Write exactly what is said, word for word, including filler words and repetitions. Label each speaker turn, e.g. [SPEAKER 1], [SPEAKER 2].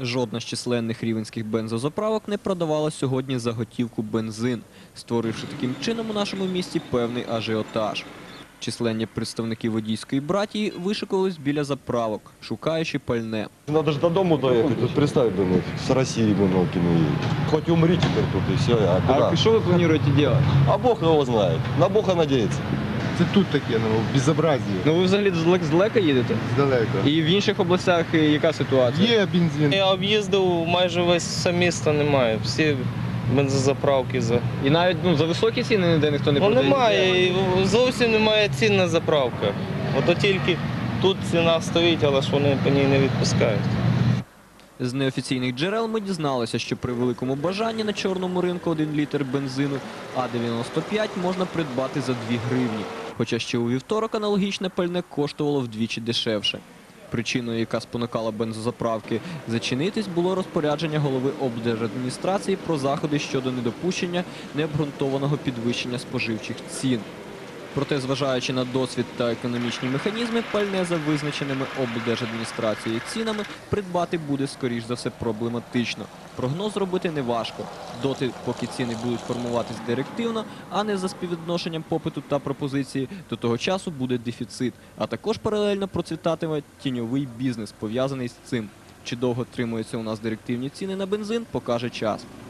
[SPEAKER 1] Жодна з численних рівненських бензозаправок не продавала сьогодні за готівку бензин, створивши таким чином у нашому місті певний ажіотаж. Численні представники водійської братії вишикувались біля заправок, шукаючи пальне.
[SPEAKER 2] Надо же до дому доехать, тут представь, блин, с России, блин, Нолкину едет. Хоть умри теперь тут и все, а куда?
[SPEAKER 1] А що ви плануєте робити?
[SPEAKER 2] А Бог его знает, на Бога надеется.
[SPEAKER 3] Це тут таке, ну, безобразие.
[SPEAKER 1] Ну ви взагалі здалека їдете?
[SPEAKER 3] Здалека.
[SPEAKER 1] І в інших областях яка ситуація?
[SPEAKER 3] Є бензин.
[SPEAKER 4] Я об'їздив, майже весь все місто немає. Всі бензозаправки за.
[SPEAKER 1] І навіть ну, за високі ціни ніде ніхто не
[SPEAKER 4] Ну
[SPEAKER 1] продає?
[SPEAKER 4] немає, і зовсім немає цін на заправках. Ото тільки тут ціна стоїть, але ж вони по ній не відпускають.
[SPEAKER 1] З неофіційних джерел ми дізналися, що при великому бажанні на чорному ринку один літр бензину А дев'яносто п'ять можна придбати за дві гривні. Хоча ще у вівторок аналогічне пальне коштувало вдвічі дешевше. Причиною, яка спонукала бензозаправки зачинитись, було розпорядження голови облдержадміністрації про заходи щодо недопущення необґрунтованого підвищення споживчих цін. Проте, зважаючи на досвід та економічні механізми, пальне за визначеними облдержадміністрацією цінами придбати буде, скоріш за все, проблематично. Прогноз робити неважко. Доти, поки ціни будуть формуватись директивно, а не за співвідношенням попиту та пропозиції, до того часу буде дефіцит. А також паралельно процвітатиме тіньовий бізнес, пов'язаний з цим. Чи довго тримуються у нас директивні ціни на бензин, покаже час.